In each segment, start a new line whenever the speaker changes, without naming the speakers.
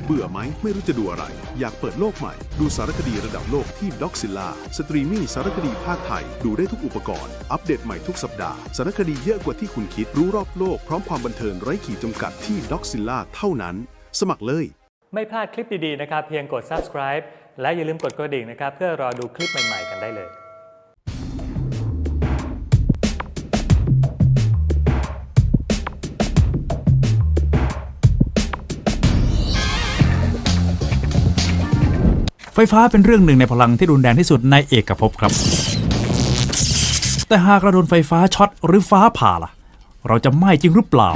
เบื่อไหมไม่รู้จะดูอะไรอยากเปิดโลกใหม่ดูสารคดีระดับโลกที่ด็อกซิลล่าสตรีมมิ่งสารคดีภาคไทยดูได้ทุกอุปกรณ์อัปเดตใหม่ทุกสัปดาห์สารคดีเยอะกว่าที่คุณคิดรู้รอบโลกพร้อมความบันเทิงไร้ขีดจำกัดที่ด็อกซิลล่าเท่านั้นสมัครเลย
ไม่พลาดคลิปดีๆนะครับเพียงกด subscribe และอย่าลืมกดกระดิ่งนะครับเพื่อรอดูคลิปใหม่ๆกันได้เลย
ไฟฟ้าเป็นเรื่องหนึ่งในพลังที่รุนแรงที่สุดในเอกภพครับแต่หากเราโดนไฟฟ้าช็อตหรือฟ้าผ่าล่ะเราจะไหม้จริงหรือเปล่า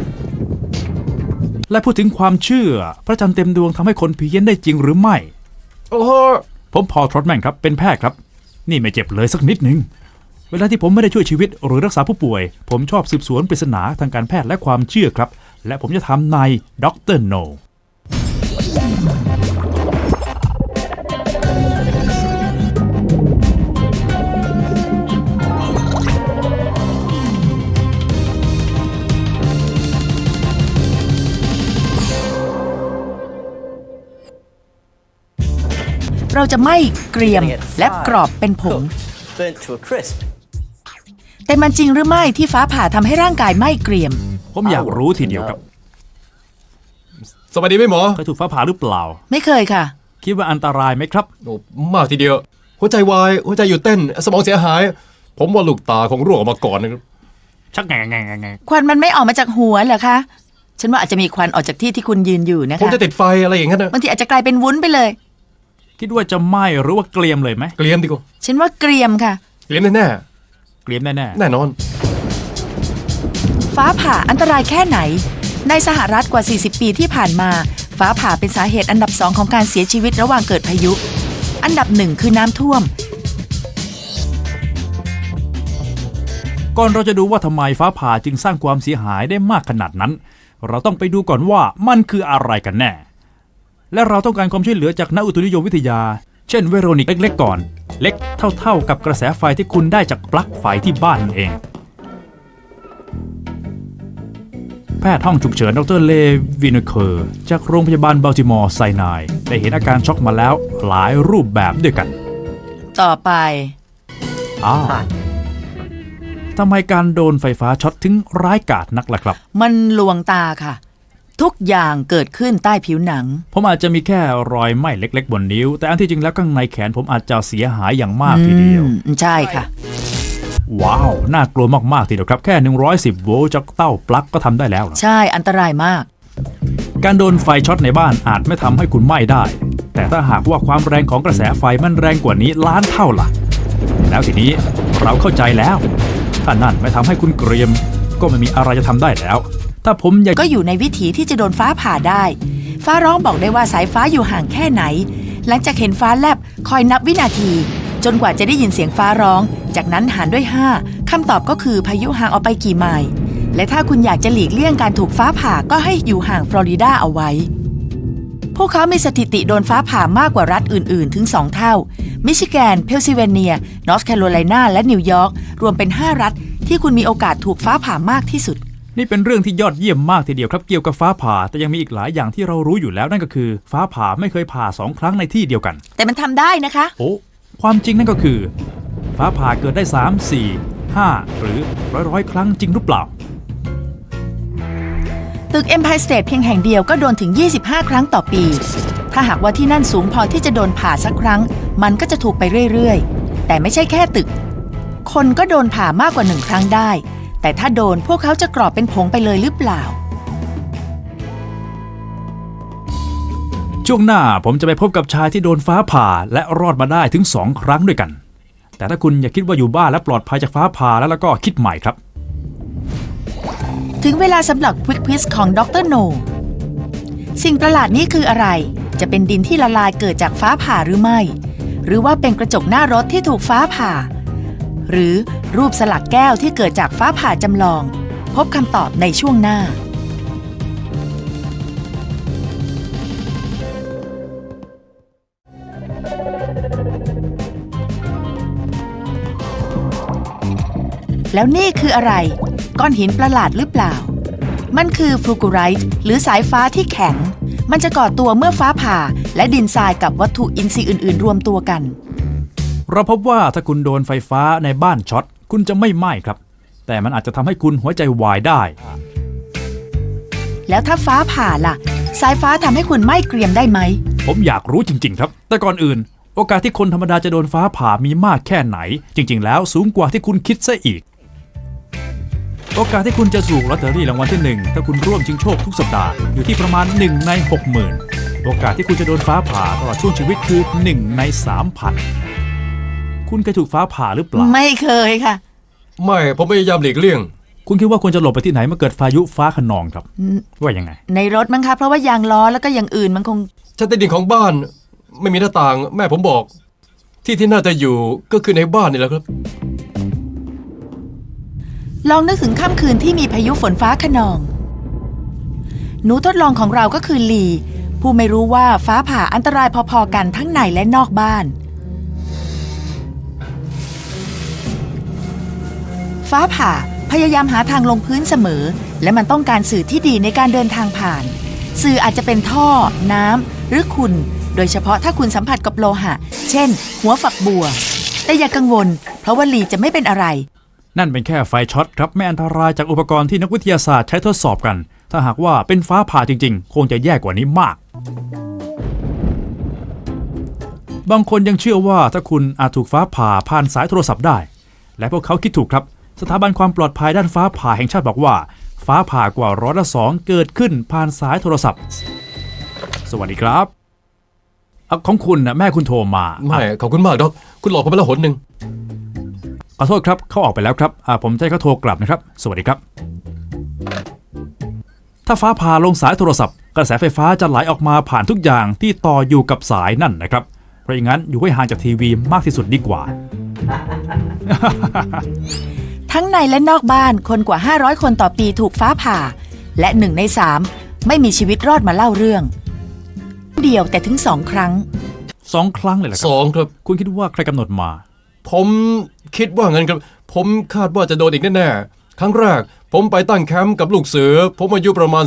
และพูดถึงความเชื่อพระจันทร์เต็มดวงทำให้คนเพี้ยนได้จริงหรือไม่ผมพอล ทรอตแมนครับเป็นแพทย์ครับนี่ไม่เจ็บเลยสักนิดนึงเวลาที่ผมไม่ได้ช่วยชีวิตหรือรักษาผู้ป่วยผมชอบสืบสวนปริศนาทางการแพทย์และความเชื่อครับและผมจะทำในด็อกเตอร์โน
เราจะไม่เกรียมและกรอบเป็นผงแต่มันจริงหรือไม่ที่ฟ้าผ่าทำให้ร่างกายไหม้เกรียม
ผมอยากรู้ทีเดียวครับ
สวัสดีไหมหมอ
เคยถูกฟ้าผ่าหรือเปล่า
ไม่เคยค่ะ
คิดว่าอันตรายไหมครับ
โอ้มากทีเดียวหัวใจวายหัวใจหยุดเต้นสมองเสียหายผมว่าลูกตาคงร่วงออกมาก่อนนะครับ
ชักไง
ควันมันไม่ออกมาจากหัวเหรอคะฉันว่าอาจจะมีควันออกจากที่คุณยืนอยู่นะคะ
ผมจะติดไฟอะไรอย่างนั้นนะ
บางทีอาจจะกลายเป็นวุ้นไปเลย
คิดว่าจะไหม้หรือว่าเกรียมเลยไหม
เกรียมดีกว่า
ฉันว่าเกรียมค่ะ
เกรียมแน่
เกรียมแน่
แน่นอน
ฟ้าผ่าอันตรายแค่ไหนในสหรัฐกว่า40ปีที่ผ่านมาฟ้าผ่าเป็นสาเหตุอันดับ2ของการเสียชีวิตระหว่างเกิดพายุอันดับ1คือน้ำท่วม
ก่อนเราจะดูว่าทำไมฟ้าผ่าจึงสร้างความเสียหายได้มากขนาดนั้นเราต้องไปดูก่อนว่ามันคืออะไรกันแน่และเราต้องการความช่วยเหลือจากนักอุตุนิยมวิทยาเช่นเวโรนิกเล็กๆก่อนเล็กเท่ากับกระแสไฟที่คุณได้จากปลั๊กไฟที่บ้านนั่นเองแพทย์ห้องฉุกเฉินดร.เลวินเคอร์จากโรงพยาบาลบัลติมอร์ไซนายได้เห็นอาการช็อกมาแล้วหลายรูปแบบด้วยกัน
ต่อไป
ทำไมการโดนไฟฟ้าช็อตถึงร้ายกาจนักล่ะครับ
มันลวงตาค่ะทุกอย่างเกิดขึ้นใต้ผิวหนัง
ผมอาจจะมีแค่รอยไหม้เล็กๆบนนิ้วแต่อันที่จริงแล้วข้างในแขนผมอาจจะเสียหายอย่างมากทีเดียว
ใช่ค่ะ
ว้าวน่ากลัวมากๆทีเดียวครับแค่110โวลต์จากเต้าปลั๊กก็ทำได้แล้ว
ใช่อันตรายมาก
การโดนไฟช็อตในบ้านอาจไม่ทำให้คุณไหม้ได้แต่ถ้าหากว่าความแรงของกระแสไฟมันแรงกว่านี้ล้านเท่าล่ะแล้วทีนี้เราเข้าใจแล้วถ้านั่นไม่ทำให้คุณเกรียมก็ไม่มีอะไรจะทำได้แล้วถ้าผม
ก็อยู่ในวิถีที่จะโดนฟ้าผ่าได้ฟ้าร้องบอกได้ว่าสายฟ้าอยู่ห่างแค่ไหนหลังจากเห็นฟ้าแลบคอยนับวินาทีจนกว่าจะได้ยินเสียงฟ้าร้องจากนั้นหารด้วย5คำตอบก็คือพายุห่างออกไปกี่ไมล์และถ้าคุณอยากจะหลีกเลี่ยงการถูกฟ้าผ่าก็ให้อยู่ห่างฟลอริดาเอาไว้พวกเขามีสถิติโดนฟ้าผ่ามากกว่ารัฐอื่นๆถึง2เท่ามิชิแกนเพนซิลเวเนียนอร์ทแคโรไลนาและนิวยอร์กรวมเป็น5รัฐที่คุณมีโอกาสถูกฟ้าผ่ามากที่สุด
นี่เป็นเรื่องที่ยอดเยี่ยมมากทีเดียวครับเกี่ยวกับฟ้าผ่าแต่ยังมีอีกหลายอย่างที่เรารู้อยู่แล้วนั่นก็คือฟ้าผ่าไม่เคยผ่า2ครั้งในที่เดียวกัน
แต่มันทำได้นะคะ
โอ้ความจริงนั่นก็คือฟ้าผ่าเกิดได้3 4 5หรือร้อยครั้งจริงหรือเปล่า
ตึก Empire State เพียงแห่งเดียวก็โดนถึง25ครั้งต่อปีถ้าหากว่าที่นั่นสูงพอที่จะโดนผ่าสักครั้งมันก็จะถูกไปเรื่อยๆแต่ไม่ใช่แค่ตึกคนก็โดนผ่ามากกว่า1ครั้งได้แต่ถ้าโดนพวกเขาจะกรอบเป็นผงไปเลยหรือเปล่า
ช่วงหน้าผมจะไปพบกับชายที่โดนฟ้าผ่าและรอดมาได้ถึง2ครั้งด้วยกันแต่ถ้าคุณอยากคิดว่าอยู่บ้านและปลอดภัยจากฟ้าผ่าแล้วก็คิดใหม่ครับ
ถึงเวลาสำหรับควิกควิซของดร.โนสิ่งประหลาดนี้คืออะไรจะเป็นดินที่ละลายเกิดจากฟ้าผ่าหรือไม่หรือว่าเป็นกระจกหน้ารถที่ถูกฟ้าผ่าหรือรูปสลักแก้วที่เกิดจากฟ้าผ่าจำลองพบคำตอบในช่วงหน้าแล้วนี่คืออะไรก้อนหินประหลาดหรือเปล่ามันคือฟลูกูไรต์หรือสายฟ้าที่แข็งมันจะก่อตัวเมื่อฟ้าผ่าและดินทรายกับวัตถุอินทรีย์อื่นๆรวมตัวกัน
เราพบว่าถ้าคุณโดนไฟฟ้าในบ้านช็อตคุณจะไม่ไหม้ครับแต่มันอาจจะทำให้คุณหัวใจวายได้
แล้วถ้าฟ้าผ่าล่ะสายฟ้าทำให้คุณไหม้เกรียมได้ไหม
ผมอยากรู้จริงๆครับแต่ก่อนอื่นโอกาสที่คนธรรมดาจะโดนฟ้าผ่ามีมากแค่ไหนจริงๆแล้วสูงกว่าที่คุณคิดซะอีกโอกาสที่คุณจะถูกลอตเตอรี่รางวัลที่1ถ้าคุณร่วมชิงโชคทุกสัปดาห์อยู่ที่ประมาณ1 ใน 60,000โอกาสที่คุณจะโดนฟ้าผ่าตลอดช่วงชีวิตคือ1 ใน 3,000คุณเคยถูกฟ้าผ่าหรือเปล่า
ไม่เคยค่ะ
ไม่ผมพยายามหลีกเลี่ยง
คุณคิดว่าควรจะหลบไปที่ไหนเมื่อเกิดพายุฟ้าคะนองครับว่ายังไง
ในรถมั้งคะเพราะว่ายางล้อแล้วก็อย่างอื่นมันคง
ชั้นใต้ดินของบ้านไม่มีหน้าต่างแม่ผมบอก ที่น่าจะอยู่ก็คือในบ้านนี่แหละครับ
ลองนึกถึงค่ำคืนที่มีพายุฝนฟ้าคะนอง หนูทดลองของเราก็คือลีผู้ไม่รู้ว่าฟ้าผ่าอันตรายพอๆกันทั้งในและนอกบ้าน ฟ้าผ่าพยายามหาทางลงพื้นเสมอและมันต้องการสื่อที่ดีในการเดินทางผ่าน สื่ออาจจะเป็นท่อน้ำหรือขุ่นโดยเฉพาะถ้าคุณสัมผัสกับโลหะเช่นหัวฝักบัวแต่อย่ากังวลเพราะว่าลีจะไม่เป็นอะไร
นั่นเป็นแค่ไฟช็อตครับไม่อันตรายจากอุปกรณ์ที่นักวิทยาศาสตร์ใช้ทดสอบกันถ้าหากว่าเป็นฟ้าผ่าจริงๆคงจะแย่กว่านี้มากบางคนยังเชื่อว่าถ้าคุณอาจถูกฟ้าผ่าผ่านสายโทรศัพท์ได้และพวกเขาคิดถูกครับสถาบันความปลอดภัยด้านฟ้าผ่าแห่งชาติบอกว่าฟ้าผ่ากว่า2%เกิดขึ้นผ่านสายโทรศัพท์สวัสดีครับของคุณนะแม่คุณโทรมา
ไม่ขอบคุณมากดอกคุณหลอกผมไปแล้วหนหนึ่ง
ขอโทษครับเขาออกไปแล้วครับผมจะให้เขาโทรกลับนะครับสวัสดีครับถ้าฟ้าผ่าลงสายโทรศัพท์กระแสไฟฟ้าจะไหลออกมาผ่านทุกอย่างที่ต่ออยู่กับสายนั่นนะครับเพราะอย่างนั้นอยู่ให้ห่างจากทีวีมากที่สุดดีกว่า
ทั้งในและนอกบ้านคนกว่า500คนต่อปีถูกฟ้าผ่าและ1 ใน 3ไม่มีชีวิตรอดมาเล่าเรื่องเดียวแต่ถึง2 ครั้ง
2 ครั้งเลยเหรอครับ
2ครับ
คุณคิดว่าใครกำหนดมา
ผมคิดว่างั้นครับผมคาดว่าจะโดนอีกแน่ๆครั้งแรกผมไปตั้งแคมป์กับลูกเสือผมอายุประมาณ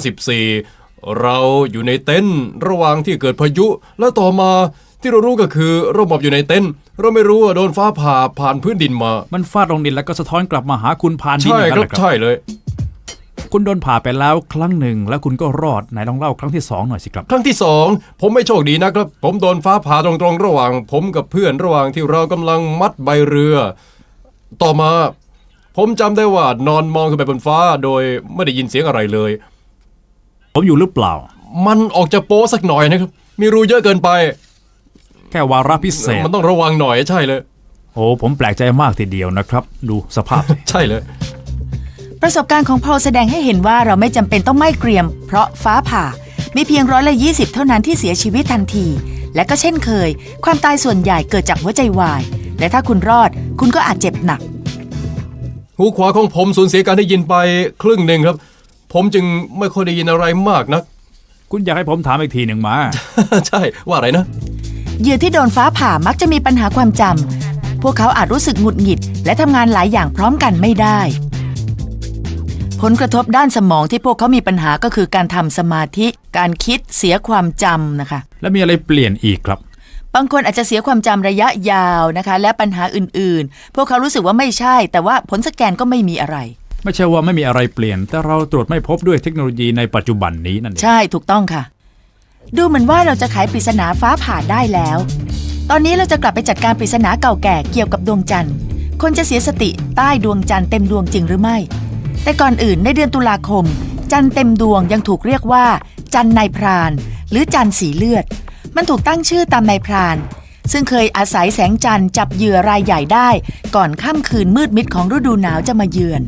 14เราอยู่ในเต็นท์ระหว่างที่เกิดพายุและต่อมาที่เรารู้ก็คือเราหมอบอยู่ในเต็นท์เราไม่รู้ว่าโดนฟ้าผ่าผ่านพื้นดินมา
มันฟาดลงดินแล้วก็สะท้อนกลับมาหาคุณผ่านดิน
ใช่
อย่าง
ค
นั้
รั
น
บ
เหรอครับ
ใช่เลย
คุณโดนผ่าไปแล้วครั้งหนึ่งแล้วคุณก็รอดไหนลองเล่าครั้งที่2หน่อยสิครับ
ครั้งที่2ผมไม่โชคดีนะครับผมโดนฟ้าผ่าตรงๆระหว่างผมกับเพื่อนระหว่างที่เรากำลังมัดใบเรือต่อมาผมจำได้ว่านอนมองขึ้นไปบนฟ้าโดยไม่ได้ยินเสียงอะไรเลย
ผมอยู่หรือเปล่า
มันออกจะโป๊สักหน่อยนะครับมีรูเยอะเกินไป
แค่วาระพิเศษ
มันต้องระวังหน่อยใช่เลย
โอ้ผมแปลกใจมากทีเดียวนะครับดูสภาพสิ
ใช่เลย
ประสบการณ์ของพอลแสดงให้เห็นว่าเราไม่จำเป็นต้องไหม้เกรียมเพราะฟ้าผ่ามีเพียง120เท่านั้นที่เสียชีวิตทันทีและก็เช่นเคยความตายส่วนใหญ่เกิดจากหัวใจวายและถ้าคุณรอดคุณก็อาจเจ็บหนัก
หูขวาของผมสูญเสียการได้ยินไปครึ่งหนึ่งครับผมจึงไม่ค่อยได้ยินอะไรมากนัก
คุณอยากให้ผมถามอีกทีหนึ่งมา
ใช่ว่าอะไรนะ
เหยื่อที่โดนฟ้าผ่ามักจะมีปัญหาความจำพวกเขาอาจรู้สึกหงุดหงิดและทำงานหลายอย่างพร้อมกันไม่ได้ผลกระทบด้านสมองที่พวกเขามีปัญหาก็คือการทำสมาธิการคิดเสียความจำนะคะ
แล้วมีอะไรเปลี่ยนอีกครับ
บางคนอาจจะเสียความจำระยะยาวนะคะและปัญหาอื่นๆพวกเขารู้สึกว่าไม่ใช่แต่ว่าผลสแกนก็ไม่มีอะไร
ไม่ใช่ว่าไม่มีอะไรเปลี่ยนแต่เราตรวจไม่พบด้วยเทคโนโลยีในปัจจุบันนี้นั่นเอง
ใช่ถูกต้องค่ะดูเหมือนว่าเราจะไขปริศนาฟ้าผ่าได้แล้วตอนนี้เราจะกลับไปจัดการปริศนาเก่าแก่เกี่ยวกับดวงจันทร์คนจะเสียสติใต้ดวงจันทร์เต็มดวงจริงหรือไม่แต่ก่อนอื่นในเดือนตุลาคมจันทร์เต็มดวงยังถูกเรียกว่าจันทร์นายพรานหรือจันทร์สีเลือดมันถูกตั้งชื่อตามนายพรานซึ่งเคยอาศัยแสงจันทร์จับเหยื่อรายใหญ่ได้ก่อนค่ำคืนมืดมิดของฤดูหนาวจะมาเยือน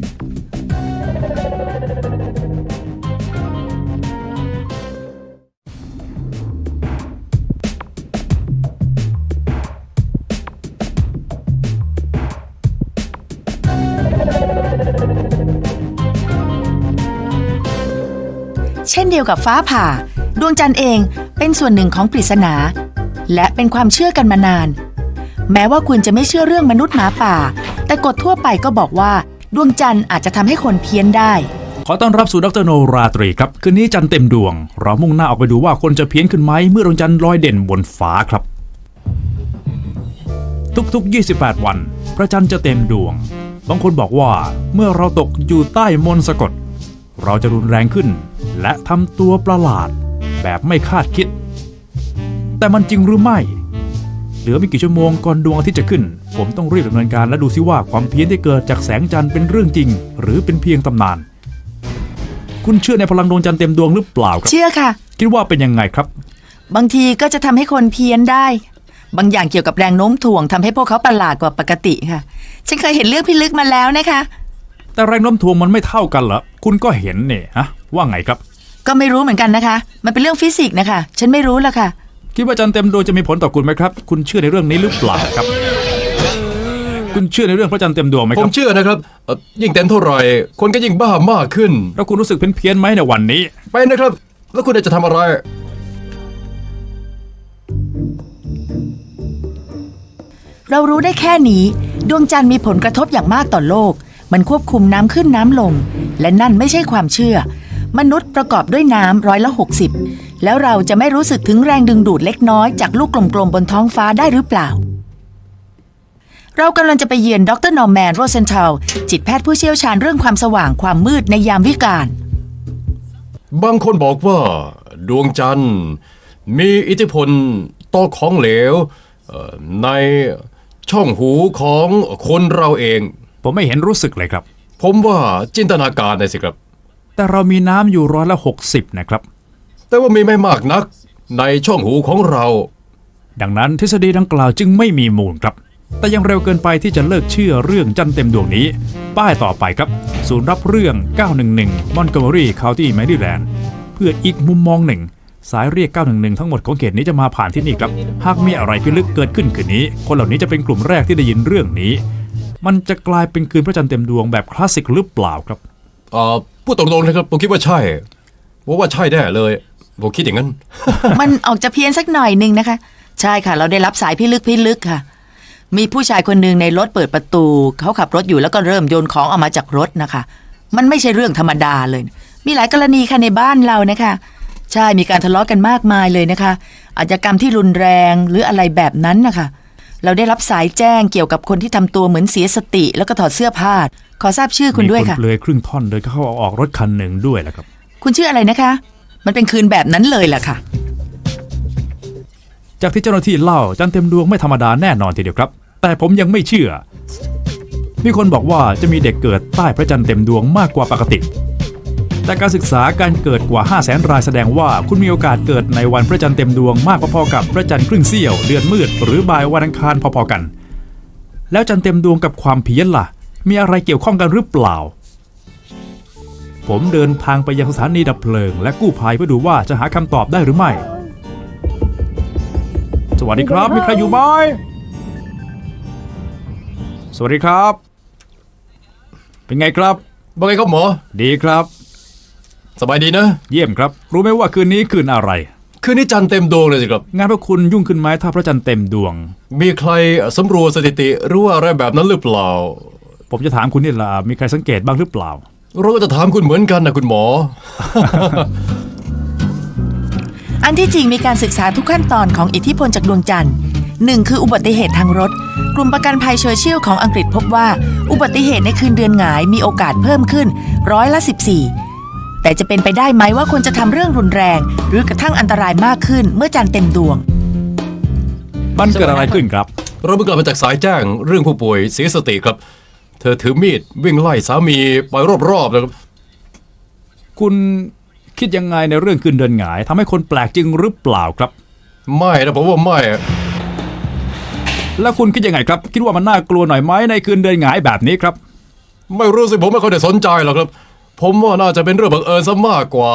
เช่นเดียวกับฟ้าผ่าดวงจันทร์เองเป็นส่วนหนึ่งของปริศนาและเป็นความเชื่อกันมานานแม้ว่าคุณจะไม่เชื่อเรื่องมนุษย์หมาป่าแต่กฎทั่วไปก็บอกว่าดวงจันทร์อาจจะทำให้คนเพี้ยนได้
ขอต้อนรับสู่ดรโนราตรีครับคืนนี้จันทร์เต็มดวงเรามุ่งหน้าออกไปดูว่าคนจะเพี้ยนขึ้นไหมเมื่อดวงจันทร์ลอยเด่นบนฟ้าครับทุกๆ28วันพระจันทร์จะเต็มดวงบางคนบอกว่าเมื่อเราตกอยู่ใต้มนต์สะกดเราจะรุนแรงขึ้นและทำตัวประหลาดแบบไม่คาดคิดแต่มันจริงหรือไม่เหลือไม่กี่ชั่วโมงก่อนดวงอาทิตย์จะขึ้นผมต้องรีบดำเนินการและดูซิว่าความเพี้ยนที่เกิดจากแสงจันทร์เป็นเรื่องจริงหรือเป็นเพียงตำนานคุณเชื่อในพลังดวงจันทร์เต็มดวงหรือเปล่าครับ
เชื่อค่ะ
คิดว่าเป็นยังไงครับ
บางทีก็จะทำให้คนเพี้ยนได้ บางอย่างเกี่ยวกับแรงโน้มถ่วงทำให้พวกเขาประหลาดกว่าปกติค่ะฉันเคยเห็นเรื่องพิลึกมาแล้วนะคะ
แต่แรงโน้มถ่วงมันไม่เท่ากันเหรอคุณก็เห็นเนี่ยฮะว่าไงครับ
ก็ไม่รู้เหมือนกันนะคะมันเป็นเรื่องฟิสิกส์นะคะฉันไม่รู้ละค่ะ
คิดว่าจันทร์เต็มดวงจะมีผลต่อคุณไหมครับคุณเชื่อในเรื่องนี้หรือเปล่าครับ คุณเชื่อในเรื่องพระจันทร์เต็มดวงไหมค
ผ
รั
ม
บ
เชื่อนะครับยิ่งเต็มเท่าไหร่คนก็ยิ่งบ้ามากขึ้น
แล้วคุณรู้สึกเพี้ยนไหมในวันนี้
ไปนะครับ แล้วคุณจะทำอะไร
เรารู้ได้แค่นี้ดวงจันทร์มีผลกระทบอย่างมากต่อโลกมันควบคุมน้ำขึ้นน้ำลงและนั่นไม่ใช่ความเชื่อมนุษย์ประกอบด้วยน้ำ60%แล้วเราจะไม่รู้สึกถึงแรงดึงดูดเล็กน้อยจากลูกกลมๆบนท้องฟ้าได้หรือเปล่าเรากำลังจะไปเยือนดรนอร์แมนโรเซนทัลจิตแพทย์ผู้เชี่ยวชาญเรื่องความสว่างความมืดในยามวิกาล
บางคนบอกว่าดวงจันทร์มีอิทธิพลต่อของเหลวในช่องหูของคนเราเอง
ผมไม่เห็นรู้สึกเลยครับ
ผมว่าจินตนาการนะสิครับ
แต่เรามีน้ำอยู่60%นะครับ
แต่ว่ามีไม่มากนักในช่องหูของเรา
ดังนั้นทฤษฎีดังกล่าวจึงไม่มีมูลครับแต่ยังเร็วเกินไปที่จะเลิกเชื่อเรื่องจันทร์เต็มดวงนี้ป้ายต่อไปครับศูนย์รับเรื่อง911 Montgomery County Maryland เพื่ออีกมุมมองหนึ่งสายเรียก911ทั้งหมดของเขตนี้จะมาผ่านที่นี่ครับหากมีอะไรพิลึกเกิดขึ้นคืนนี้คนเหล่านี้จะเป็นกลุ่มแรกที่ได้ยินเรื่องนี้มันจะกลายเป็นคืนพระจันทร์เต็มดวงแบบคลาสสิกหรือเปล่าครับ
พูดตรงๆนะครับผมคิดว่าใช่ว่าใช่แน่เลยผมคิดอย่างนั้น
มันออกจะเพี้ยนสักหน่อยนึงนะคะใช่ค่ะเราได้รับสายพิลึกค่ะ มีผู้ชายคนหนึ่งในรถเปิดประตูเขาขับรถอยู่แล้วก็เริ่มโยนของออกมาจากรถนะคะมันไม่ใช่เรื่องธรรมดาเลยมีหลายกรณีค่ะในบ้านเรานะคะใช่มีการทะเลาะกันมากมายเลยนะคะอาชญากรรมที่รุนแรงหรืออะไรแบบนั้นนะคะเราได้รับสายแจ้งเกี่ยวกับคนที่ทำตัวเหมือนเสียสติแล้วก็ถอดเสื้อผ้าขอทราบชื่อคุณด้วยค่ะ
มีคนเปลือยครึ่งท่อนเดินเข้าออกรถคันหนึ่งด้วยแหละครับ
คุณชื่ออะไรนะคะมันเป็นคืนแบบนั้นเลยแหละค่ะ
จากที่เจ้าหน้าที่เล่าจันทร์เต็มดวงไม่ธรรมดาแน่นอนทีเดียวครับแต่ผมยังไม่เชื่อมีคนบอกว่าจะมีเด็กเกิดใต้พระจันทร์เต็มดวงมากกว่าปกติแต่การศึกษาการเกิดกว่า 500,000 รายแสดงว่าคุณมีโอกาสเกิดในวันพระจันทร์เต็มดวงมากพอๆกับพระจันทร์ครึ่งเสี้ยวเดือนมืดหรือบ่ายวันอังคารพอๆกันแล้วจันทร์เต็มดวงกับความเพี้ยนล่ะมีอะไรเกี่ยวข้องกันหรือเปล่าผมเดินทางไปยังสถานีดับเพลิงและกู้ภัยเพื่อดูว่าจะหาคำตอบได้หรือไม่สวัสดีครับมีใครอยู่ไหมสวัสดีครับเป็นไงครับ
ว่าไงครับหมอ
ดีครับ
สบายดีนะ
เยี่ยมครับรู้ไหมว่าคืนนี้คืนอะไร
คืนนี้จันทร์เต็มดวงเลยสิครับ
งานพวกคุณยุ่งขึ้นไหมถ้าพระจันทร์เต็มดวง
มีใครสำรวจสถิติหรือว่าอะไรแบบนั้นหรือเปล่า
ผมจะถามคุณนี่ล่ะมีใครสังเกตบ้างหรือเปล่า
เราก็จะถามคุณเหมือนกันนะคุณหมอ
อันที่จริงมีการศึกษาทุกขั้นตอนของอิทธิพลจากดวงจันทร์หนึ่งคืออุบัติเหตุทางรถกลุ่มประกันภัยเชอร์ชิลของอังกฤษพบว่าอุบัติเหตุในคืนเดือนหงายมีโอกาสเพิ่มขึ้น14%แต่จะเป็นไปได้ไหมว่าคนจะทำเรื่องรุนแรงหรือกระทั่งอันตรายมากขึ้นเมื่อจันทร์เต็มดวง
มันเกิดอะไรขึ้นครับ
เราเพิ่งกลับมาจากสายแจ้งเรื่องผู้ป่วยเสียสติครับ เธอถือมีดวิ่งไล่สามีไปรอบๆนะครับ
คุณคิดยังไงในเรื่องคืนเดือนหงายทำให้คนแปลกจริงหรือเปล่าครับ
ไม่นะผมว่าไม่
แล้วคุณคิดยังไงครับคิดว่ามันน่ากลัวหน่อยไหมในคืนเดือนหงายแบบนี้ครับ
ไม่รู้สิผมไม่ค่อยได้สนใจหรอกครับ ผมว่าน่าจะเป็นเรื่องบังเอิญซะมากกว่า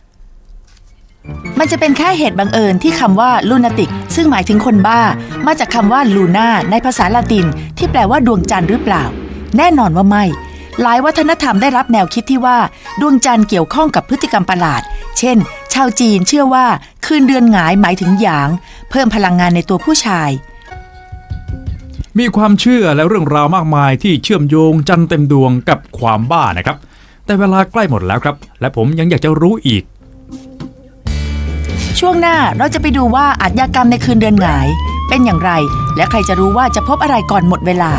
มันจะเป็นแค่เหตุบังเอิญที่คำว่าลูนาติกซึ่งหมายถึงคนบ้ามาจากคำว่าลูน่าในภาษาละตินที่แปลว่าดวงจันทร์หรือเปล่าแน่นอนว่าไม่หลายวัฒนธรรมได้รับแนวคิดที่ว่าดวงจันทร์เกี่ยวข้องกับพฤติกรรมประหลาดเช่นชาวจีนเชื่อว่าคืนเดือนหงายหมายถึงหยางเพิ่มพลังงานในตัวผู้ชาย
มีความเชื่อและเรื่องราวมากมายที่เชื่อมโยงจันทร์เต็มดวงกับความบ้านะครับแต่เวลาใกล้หมดแล้วครับ และผมยังอยากจะรู้อีก
ช่วงหน้าเราจะไปดูว่าอาชญากรรมในคืนเดือนหงายเป็นอย่างไร และใครจะรู้ว่าจะพบอะไรก่อนหมดเวลา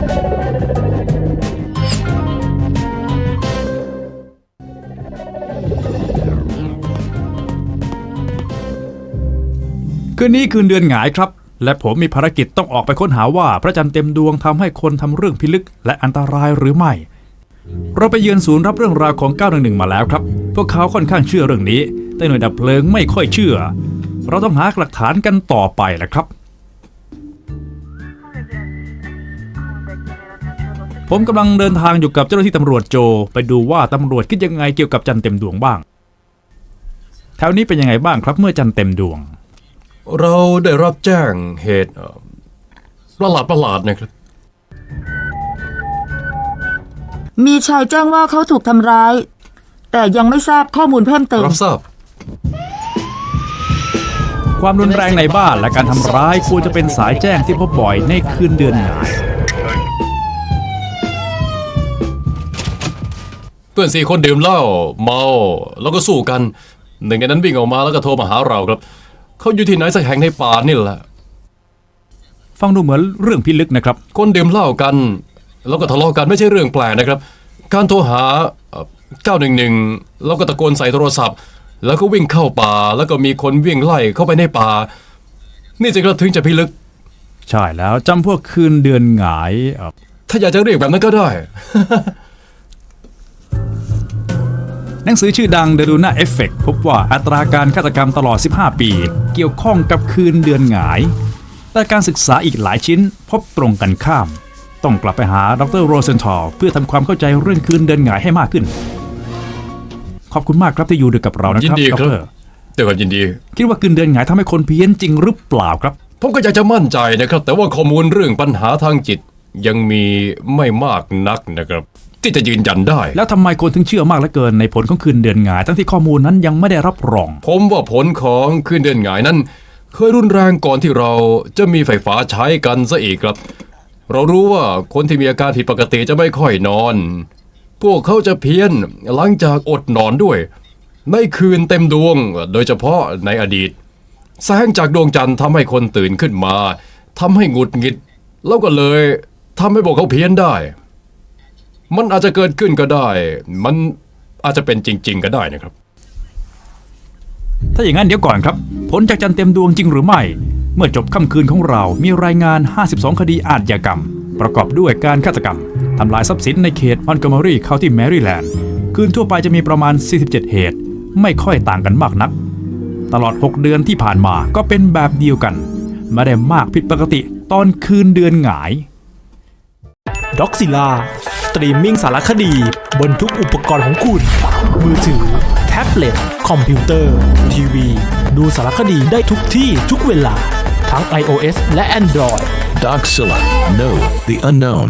คืนนี้คืนเดือนหงายครับ และผมมีภารกิจต้องออกไปค้นหาว่าพระจันทร์เต็มดวงทำให้คนทำเรื่องพิลึกและอันตรายหรือไม่ เราไปเยือนศูนย์รับเรื่องราวของ911มาแล้วครับพวกเขาค่อนข้างเชื่อเรื่องนี้แต่หน่วยดับเพลิงไม่ค่อยเชื่อเราต้องหาหลักฐานกันต่อไปแหละครับผมกำลังเดินทางอยู่กับเจ้าหน้าที่ตำรวจโจไปดูว่าตำรวจคิดยังไงเกี่ยวกับจันทร์เต็มดวงบ้างแถวนี้เป็นยังไงบ้างครับเมื่อจันทร์เต็มดวง
เราได้รับแจ้งเหตุประหลาดนะครับ
มีชายแจ้งว่าเขาถูกทำร้ายแต่ยังไม่ทราบข้อมูลเพิ่มเติม
รับทราบ
ความรุนแรงในบ้านและการทำร้ายควรจะเป็นสายแจ้งที่พบบ่อยในคืนเดือนหงาย
เพื่อน4 คนดื่มเหล้าเมาแล้วก็สู้กันหนึ่งในนั้นวิ่งออกมาแล้วก็โทรมาหาเราครับเขาอยู่ที่ไหนสักแห่งในป่านี่แหละ
ฟังดูเหมือนเรื่องพิลึกนะครับ
คนดื่มเหล้ากันแล้วก็ทะเลาะกันไม่ใช่เรื่องแปลกนะครับการโทรหา911แล้วก็ตะโกนใส่โทรศัพท์แล้วก็วิ่งเข้าป่าแล้วก็มีคนวิ่งไล่เข้าไปในป่านี่สิครับถึงจะพิลึก
ใช่แล้วจำพวกคืนเดือนหงาย
ถ้าอยากจะเรียกแบบนั้นก็ได้
หนังสือชื่อดัง The Luna Effect พบว่าอัตราการฆาตกรรมตลอด15 ปีเกี่ยวข้องกับคืนเดือนหงายแต่การศึกษาอีกหลายชิ้นพบตรงกันข้ามต้องกลับไปหาดร. โรเซนทอลเพื่อทำความเข้าใจเรื่องคืนเดือนหงายให้มากขึ้นขอบคุณมากครับที่อยู่ด้วยกับเรานะครับ
ยินดีครับแต่ก็ยินดี
คิดว่าคืนเดือนหงายทำให้คนเพี้ยนจริงหรือเปล่าครับ
ผมก็อยากจะมั่นใจนะครับแต่ว่าข้อมูลเรื่องปัญหาทางจิตยังมีไม่มากนักนะครับที่จะยืนยันได้
แล้วทำไมคนถึงเชื่อมากเหลือเกินในผลของคืนเดือนหงายทั้งที่ข้อมูลนั้นยังไม่ได้รับรอง
ผมว่าผลของคืนเดือนหงายนั้นเคยรุนแรงก่อนที่เราจะมีไฟฟ้าใช้กันซะอีกครับเรารู้ว่าคนที่มีอาการผิดปกติจะไม่ค่อยนอนพวกเขาจะเพี้ยนหลังจากอดนอนด้วยในคืนเต็มดวงโดยเฉพาะในอดีตแสงจากดวงจันทร์ทำให้คนตื่นขึ้นมาทำให้หงุดหงิดแล้วก็เลยทำให้พวกเขาเพี้ยนได้มันอาจจะเกิดขึ้นก็ได้มันอาจจะเป็นจริงๆก็ได้นะครับ
ถ้าอย่างนั้นเดี๋ยวก่อนครับผลจากจันทร์เต็มดวงจริงหรือไม่เมื่อจบค่ำคืนของเรามีรายงาน52คดีอาชญากรรมประกอบด้วยการฆาตกรรมทำลายทรัพย์สินในเขตมอนโกเมอรี่เคานตี้แมริแลนด์คืนทั่วไปจะมีประมาณ47เหตุไม่ค่อยต่างกันมากนักตลอด6เดือนที่ผ่านมาก็เป็นแบบเดียวกันไม่ได้มากผิดปกติตอนคืนเดือนหงาย
ด็อกซิล่าสตรีมมิ่งสารคดีบนทุกอุปกรณ์ของคุณมือถือแท็บเล็ตคอมพิวเตอร์ทีวีดูสารคดีได้ทุกที่ทุกเวลาทั้ง iOS และ Android
Doxilla Know the Unknown